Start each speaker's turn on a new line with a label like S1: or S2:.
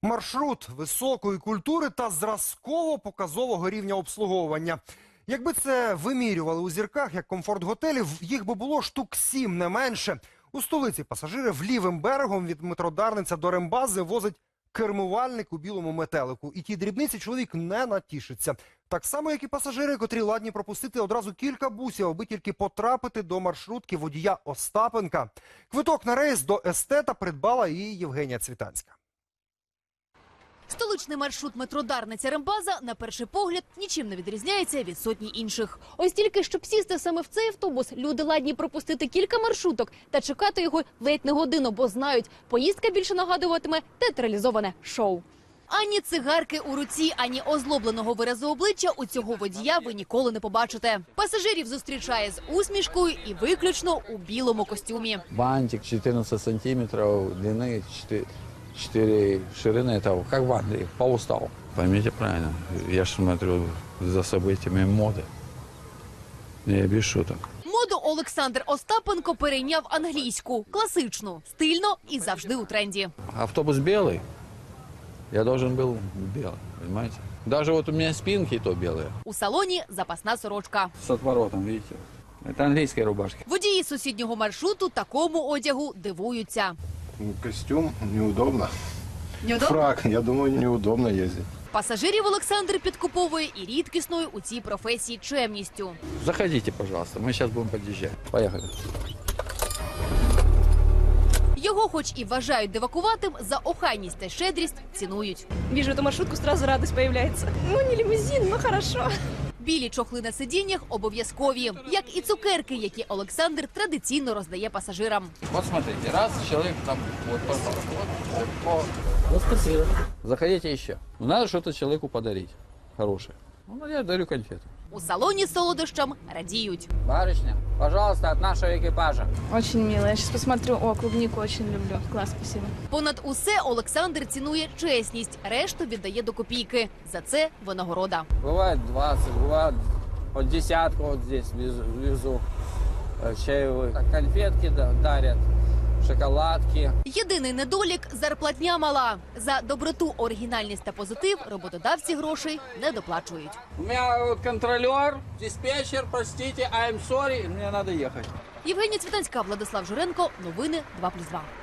S1: Маршрут високої культури та зразково-показового рівня обслуговування. Якби це вимірювали у зірках, як комфорт готелів, їх би було штук 7, не менше. У столиці пасажирів лівим берегом від метро Дарниця до Рембази возить кермувальник у білому метелику. І ті дрібниці чоловік не натішиться. Так само, як і пасажири, котрі ладні пропустити одразу кілька бусів, аби тільки потрапити до маршрутки водія Остапенка. Квиток на рейс до естета придбала і Євгенія Цвітанська.
S2: Столичний маршрут метро Дарниця-Рембаза, на перший погляд, нічим не відрізняється від сотні інших. Ось тільки, щоб сісти саме в цей автобус, люди ладні пропустити кілька маршруток та чекати його ледь не годину, бо знають, поїздка більше нагадуватиме театралізоване шоу. Ані цигарки у руці, ані озлобленого виразу обличчя у цього водія ви ніколи не побачите. Пасажирів зустрічає з усмішкою і виключно у білому костюмі.
S3: Бантик 14 сантиметров длины, 4 ширины, это как в Англии, по уставу. Поймите правильно, я же смотрю за событиями моды. Я без шуток.
S2: Моду Олександр Остапенко перейняв англійську, класичну, стильно і завжди у тренді.
S3: Автобус белый, я должен был белый, понимаете? Даже вот у меня спинки то белые.
S2: У салоні запасна сорочка.
S3: С отворотом, видите? Это английские рубашки.
S2: Водії сусіднього маршруту такому одягу дивуються.
S4: Костюм неудобно.
S2: Неудобно?
S4: Фрак, я думаю, неудобно ездить.
S2: Пасажирів Олександр підкуповує і рідкісною у цій професії чемністю.
S3: Заходите, пожалуйста, мы сейчас будем подъезжать. Поехали.
S2: Його хоч і вважають дивакуватим, за охайність та щедрість цінують.
S5: Вижу эту маршрутку, сразу радость появляется. Ну, не лимузин, но хорошо.
S2: Білі чохли на сидіннях обов'язкові, як і цукерки, які Олександр традиційно роздає пасажирам.
S3: Вот смотрите, раз человек там, вот, пожалуйста, вот спасибо. Заходите еще. Ну, надо что-то человеку подарить хорошее. Ну, я дарю конфету.
S2: У салоні солодощам радіють.
S3: Барышня, пожалуйста, от нашего экипажа.
S5: Очень мило. Я сейчас посмотрю. О, клубнику очень люблю. Класс, спасибо.
S2: Понад усе Олександр цінує чесність, решту віддає до копійки. За це винагорода.
S3: Бывает 20, бывает от десятку вот здесь везу. Чаевые. Конфетки дарят, шоколадки.
S2: Єдиний недолік – зарплатня мала. За доброту, оригінальність та позитив роботодавці грошей не доплачують.
S3: У меня вот контролер, диспетчер, простите, I'm sorry, мне надо ехать.
S2: Євгенія Цвітанська, Владислав Журенко. Новини 2+2.